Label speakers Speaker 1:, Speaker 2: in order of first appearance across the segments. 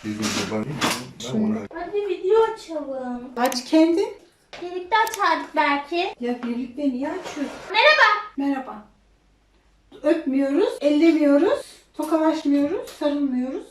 Speaker 1: Hadi video açalım.
Speaker 2: Aç kendin.
Speaker 1: Birlikte açardık belki.
Speaker 2: Ya birlikte niye açıyoruz?
Speaker 1: Merhaba.
Speaker 2: Merhaba. Öpmüyoruz, ellemiyoruz, tokalaşmıyoruz, sarılmıyoruz.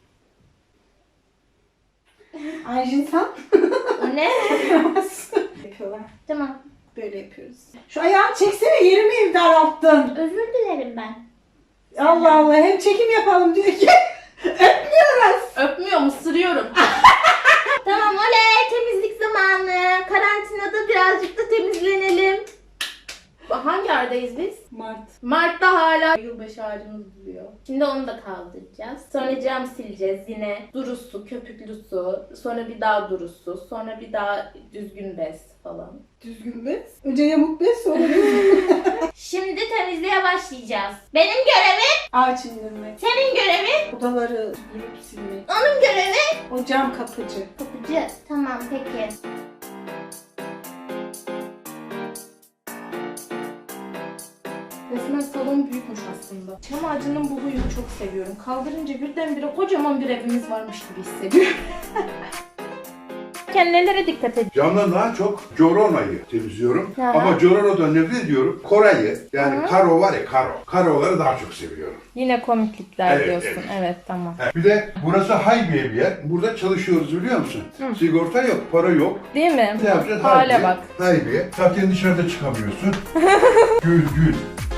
Speaker 2: Ayşin sen?
Speaker 1: O ne?
Speaker 2: Yapıyorlar.
Speaker 1: Tamam.
Speaker 2: Böyle yapıyoruz. Şu ayağını çeksene, yerimi daralttın.
Speaker 1: Özür dilerim ben.
Speaker 2: Allah Allah, hem çekim yapalım diyor ki öpmüyoruz.
Speaker 3: Öpmüyorum, ısırıyorum.
Speaker 1: Tamam oley, temizlik zamanı. Karantinada birazcık da temizlenelim.
Speaker 3: Hangi aydayız biz?
Speaker 2: Mart.
Speaker 3: Mart'ta hala yılbaşı ağacımız duruyor.
Speaker 1: Şimdi onu da kaldıracağız.
Speaker 3: Sonra cam sileceğiz yine. Duru su, köpüklü su. Sonra bir daha duru su. Sonra bir daha düzgün bez falan.
Speaker 2: Düzgün bez. Önce yamuk bez, sonra düzgün.
Speaker 1: Şimdi temizliğe başlayacağız. Benim görevim,
Speaker 2: Ağaç indirmek.
Speaker 1: senin görevin,
Speaker 2: Odaları süpürüp silmek.
Speaker 1: onun görevi.
Speaker 2: O cam kapıcı.
Speaker 1: Kapıcı. Tamam peki.
Speaker 3: Resmen salon büyükmüş aslında. Çam ağacının bu huyunu çok seviyorum. Kaldırınca birdenbire kocaman bir evimiz varmış gibi hissediyorum. Nelere dikkat edin?
Speaker 4: Camdan daha çok Corona'yı temizliyorum.
Speaker 1: Aha.
Speaker 4: Ama Corona'dan nefret ediyorum. Koray'ı, yani karo var ya karo. Karoları daha çok seviyorum.
Speaker 3: Yine komiklikler
Speaker 4: Evet,
Speaker 3: diyorsun.
Speaker 4: evet.
Speaker 3: Evet tamam.
Speaker 4: Bir de burası Haybiye bir yer. Burada çalışıyoruz biliyor musun? Sigorta yok, para yok.
Speaker 3: Değil mi?
Speaker 4: Ne yapacağız?
Speaker 3: Hale
Speaker 4: Haybiye.
Speaker 3: bak.
Speaker 4: Haybiye. Zaten dışarıda çıkamıyorsun. Gül gül.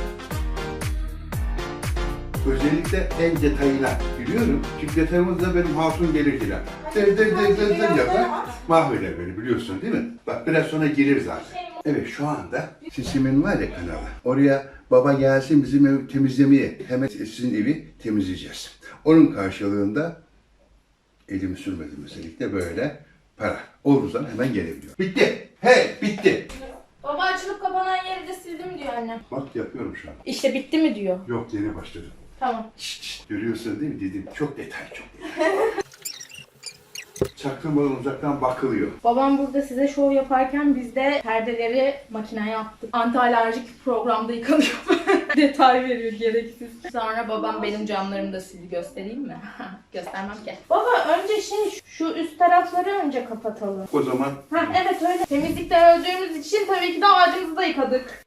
Speaker 4: Özellikle en detayına biliyorum. Çünkü detayımızda benim hatun gelir diler. Der yapar. Mahveder beni biliyorsun değil mi? Bak biraz sonra gelir zaten. Evet şu anda Sisimin var ya kanalı. Oraya baba gelsin bizim evi temizlemeye. Hemen sizin evi temizleyeceğiz. Onun karşılığında elimi sürmedim özellikle böyle para. Olur zaman hemen gelebiliyor. Bitti. Hey bitti.
Speaker 3: Baba açılıp kapanan yeri de sildim diyor annem.
Speaker 4: Bak yapıyorum şu an.
Speaker 3: İşte bitti mi diyor.
Speaker 4: Yok yeni başladım.
Speaker 3: Tamam.
Speaker 4: Şşt, görüyorsun değil mi dedim. Çok detay çok detay. Çaktırmadan uzaktan bakılıyor.
Speaker 3: Babam burada size şov yaparken biz de perdeleri makineye attık. Anti-alerjik programda yıkanıyor. Detay veriyor gereksiz. Sonra babam benim camlarımı da sildi. Göstereyim mi? Göstermem ki. Baba önce şu üst tarafları önce kapatalım.
Speaker 4: O zaman
Speaker 3: Ha evet öyle. Temizlikte öldüğümüz için tabii ki de ağacımızı da yıkadık.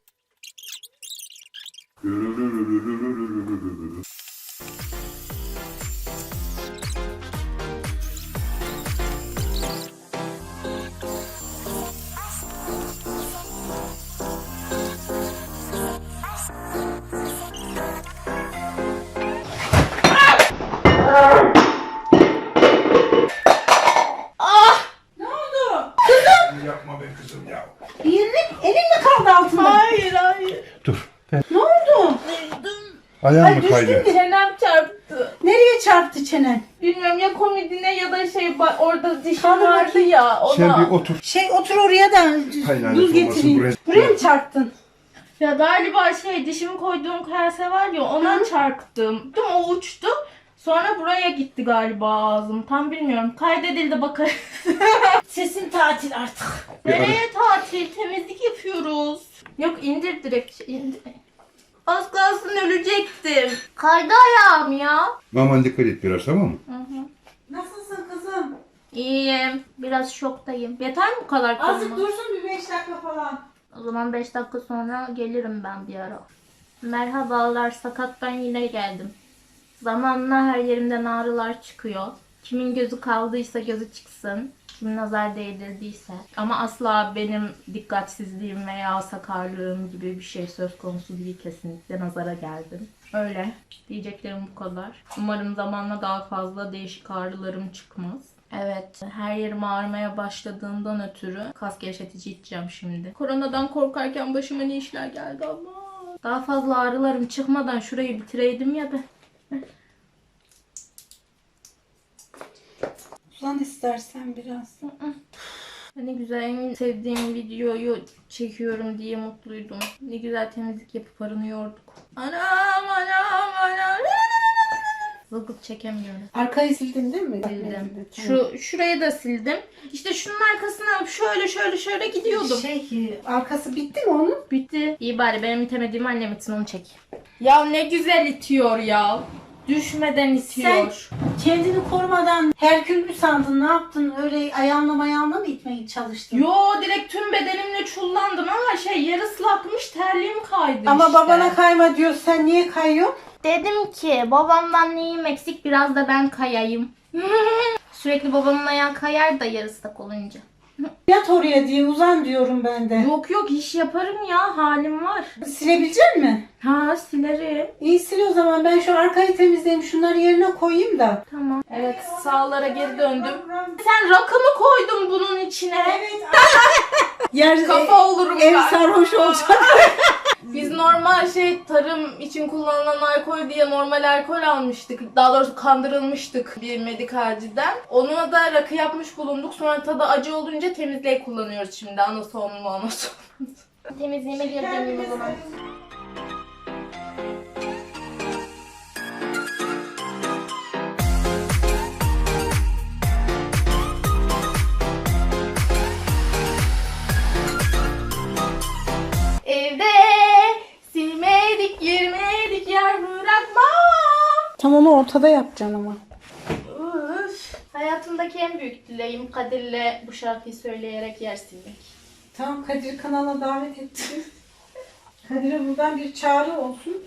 Speaker 2: Ne oldu?
Speaker 4: yapma be kızım ya.
Speaker 2: Elin mi kaldı altında?
Speaker 3: Hayır hayır.
Speaker 4: Dur.
Speaker 2: Ne oldu?
Speaker 4: Ayağım mı
Speaker 2: düştün
Speaker 4: kaydı?
Speaker 2: mü?
Speaker 3: Çenem çarptı.
Speaker 2: Nereye çarptı çenen?
Speaker 3: Bilmiyorum ya komodine ya da orada dişim
Speaker 2: Kaldır
Speaker 3: vardı
Speaker 2: bakayım.
Speaker 3: ya ona.
Speaker 4: Sen bir otur.
Speaker 2: Otur oraya da
Speaker 4: Hayır, lanet
Speaker 2: buz
Speaker 4: olmasın,
Speaker 2: getireyim.
Speaker 4: buraya-
Speaker 2: Buraya mı çarptın?
Speaker 3: Ya galiba dişimi koyduğum kase var ya ona çarptım. Değil mi? O uçtu. Sonra buraya gitti galiba ağzım. Tam bilmiyorum. Kaydedildi bakarız.
Speaker 2: Sesin tatil artık.
Speaker 3: Nereye tatil? Temizlik yapıyoruz. Yok indir direkt. İndir. Az kalsın ölecektim. Kaydı ayağım ya.
Speaker 4: Aman dikkat et biraz tamam mı?
Speaker 2: Nasılsın kızım?
Speaker 1: İyiyim. Biraz şoktayım.
Speaker 3: Yeter mi bu kadar
Speaker 2: Azıcık
Speaker 3: kalma?
Speaker 2: dursun bir 5 dakika falan.
Speaker 1: O zaman 5 dakika sonra gelirim ben bir ara. Merhabalar, sakattan yine geldim. Zamanla her yerimden ağrılar çıkıyor. Kimin gözü kaldıysa gözü çıksın. Kim nazar değdirdiyse. Ama asla benim dikkatsizliğim veya sakarlığım gibi bir şey söz konusu değil, kesinlikle nazara geldim. Öyle. Diyeceklerim bu kadar. Umarım zamanla daha fazla değişik ağrılarım çıkmaz. Evet, her yerim ağrımaya başladığından ötürü kas gevşetici içeceğim şimdi. Koronadan korkarken başıma ne işler geldi ama. Daha fazla ağrılarım çıkmadan şurayı bitireydim ya ben.
Speaker 2: Uzan istersen biraz.
Speaker 1: Ne güzel, en sevdiğim videoyu çekiyorum diye mutluydum. Ne güzel temizlik yapıp arınıyorduk. Anam anam anam. Zılgıt çekemiyorum.
Speaker 2: Arkayı sildin değil mi?
Speaker 1: Sildim. Şurayı da sildim. İşte şunun arkasına şöyle gidiyordum.
Speaker 2: Arkası bitti mi onun?
Speaker 1: Bitti. İyi bari benim itemediğimi annem için onu çek.
Speaker 3: Ya ne güzel itiyor ya. Düşmeden itiyor.
Speaker 2: Kendini korumadan Herkül mü sandın? Ne yaptın? Öyle ayağınla mı itmeye çalıştın?
Speaker 3: Yo, direkt tüm bedenimle çullandım ama yeri ıslakmış, terliğim kaydı
Speaker 2: Ama
Speaker 3: işte.
Speaker 2: babana kayma diyor. Sen niye kayıyorsun?
Speaker 1: Dedim ki babamdan neyim eksik, biraz da ben kayayım. Sürekli babamın ayağı kayar da yarı ıslak olunca.
Speaker 2: Yat oraya diye uzan diyorum ben de.
Speaker 3: Yok yok, iş yaparım ya, halim var.
Speaker 2: Silebilecek misin?
Speaker 3: Ha, silerim.
Speaker 2: İyi sil o zaman. Ben şu arkayı temizleyeyim. Şunları yerine koyayım da.
Speaker 1: Tamam.
Speaker 3: Evet, sağlara geri döndüm. Sen rakı mı koydun bunun içine?
Speaker 2: Evet. Yer,
Speaker 3: Kafa olurum
Speaker 2: ev
Speaker 3: ben.
Speaker 2: sarhoş olacak.
Speaker 3: Biz normal tarım için kullanılan alkol diye normal alkol almıştık. Daha doğrusu kandırılmıştık bir medikalciden. Onunla da rakı yapmış bulunduk. Sonra tadı acı olunca temizliğe kullanıyoruz şimdi. Anason mu anason.
Speaker 1: Temizliğime geri döneyim o zaman.
Speaker 3: Evde silmedik, girmedik, yer bırakmam.
Speaker 2: Tam onu ortada yapacaksın ama.
Speaker 3: Üf. Hayatımdaki en büyük dileğim Kadir'le bu şarkıyı söyleyerek yer silmek.
Speaker 2: Tamam, Kadir kanala davet ettim. Kadir'e buradan bir çağrı olsun.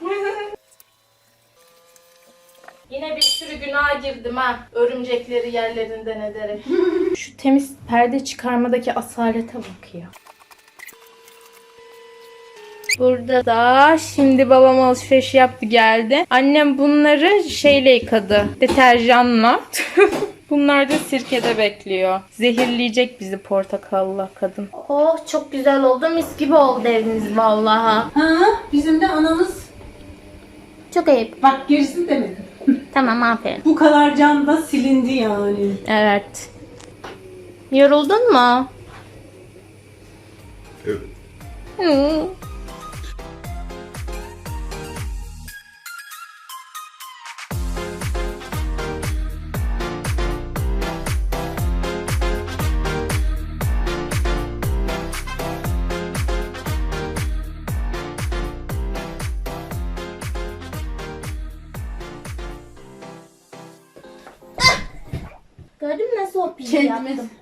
Speaker 3: Yine bir sürü günaha girdim ha. Örümcekleri yerlerinden ederek. Şu temiz perde çıkarmadaki asalete bak ya. Burada da şimdi babam alışveriş yaptı geldi. Annem bunları yıkadı. Deterjanla. Bunlar da sirkede bekliyor. Zehirleyecek bizi portakalla kadın.
Speaker 1: Oh, çok güzel oldu. Mis gibi oldu eviniz vallahi.
Speaker 2: Ha, bizim de anamız.
Speaker 1: Çok ayıp.
Speaker 2: Bak, gerisini demedim.
Speaker 1: Tamam, aferin.
Speaker 2: Bu kadar can da silindi yani.
Speaker 1: Evet. Yoruldun mu?
Speaker 4: Evet.
Speaker 1: Hı. Gördün mü nasıl o pili yaptım?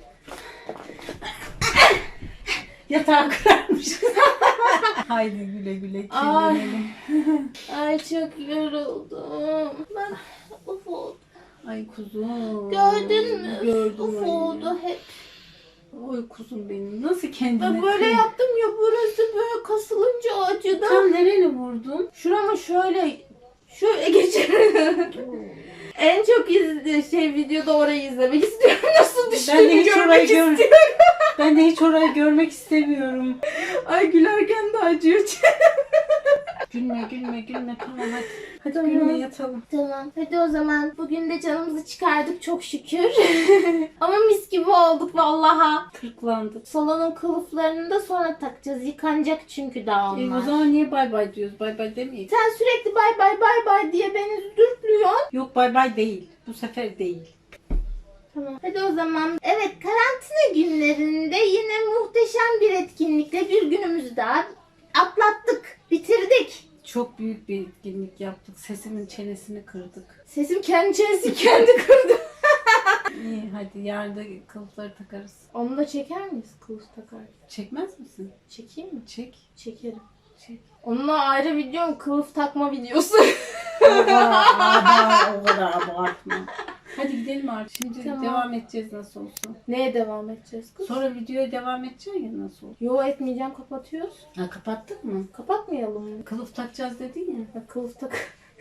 Speaker 2: Yatağı kırarmış. Haydi güle güle kirlenelim.
Speaker 1: Ay çok yoruldum. Ben uf oldu.
Speaker 2: Ay kuzum.
Speaker 1: Gördün mü?
Speaker 2: Gördüm.
Speaker 1: Uf oldu hep.
Speaker 2: Oy kuzum benim. Nasıl kendine
Speaker 1: Ben böyle yaptım ya, burası böyle kasılınca acıdı.
Speaker 2: Tam nereni vurdun?
Speaker 1: Şuramı şöyle geçerim. En çok videoda orayı izlemek istiyorum. Nasıl
Speaker 2: Ben de
Speaker 1: düştüğümü
Speaker 2: hiç
Speaker 1: görmek
Speaker 2: orayı
Speaker 1: istiyorum.
Speaker 2: Ben de hiç orayı görmek istemiyorum.
Speaker 3: Ay, gülerken de acıyor.
Speaker 2: Gülme tamam hadi. Hadi
Speaker 1: Tamam.
Speaker 2: gülme, yatalım.
Speaker 1: Tamam. Hadi o zaman. Bugün de canımızı çıkardık çok şükür. Ama mis gibi olduk vallaha.
Speaker 2: Kırklandık.
Speaker 1: Salonun kılıflarını da sonra takacağız. Yıkanacak çünkü daha
Speaker 2: O
Speaker 1: onlar.
Speaker 2: zaman niye bay bay diyoruz? Bay bay demeyiz.
Speaker 1: Sen sürekli bay bay bay bay diye beni dürtlüyorsun.
Speaker 2: Yok, bay bay değil. Bu sefer değil.
Speaker 1: Tamam. Hadi o zaman. Evet, karantina günlerinde yine muhteşem bir etkinlikle bir günümüzü daha atlattık. Bitirdik.
Speaker 2: Çok büyük bir etkinlik yaptık. Sesimin çenesini kırdık.
Speaker 1: Sesim kendi çenesi kendi kırdı.
Speaker 2: İyi hadi, yarın da kılıfları takarız.
Speaker 1: Onu da çeker miyiz kılıf takar?
Speaker 2: Çekmez misin?
Speaker 1: Çekeyim mi?
Speaker 2: Çek.
Speaker 1: Çekerim.
Speaker 2: Çek.
Speaker 3: Onunla ayrı videom, kılıf takma videosu.
Speaker 2: Oha, o kadar abartma. Hadi gidelim artık. Şimdi
Speaker 1: Tamam.
Speaker 2: devam edeceğiz nasıl olsa.
Speaker 3: Neye devam edeceğiz kız?
Speaker 2: Sonra videoya devam edeceğiz ya nasıl olsa.
Speaker 3: Yo, etmeyeceğim, kapatıyoruz.
Speaker 2: Ha, kapattık mı?
Speaker 3: Kapatmayalım mı?
Speaker 2: Kılıf takacağız dedin ya.
Speaker 3: Ya, kılıf tak.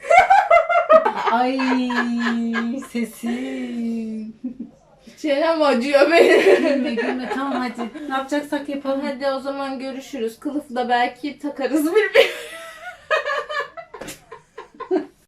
Speaker 2: Ay sesim.
Speaker 3: Çenem acıyor benim.
Speaker 2: Gülme tamam hadi. Ne yapacaksak yapalım.
Speaker 3: Hadi o zaman görüşürüz. Kılıfı da belki takarız birbirine.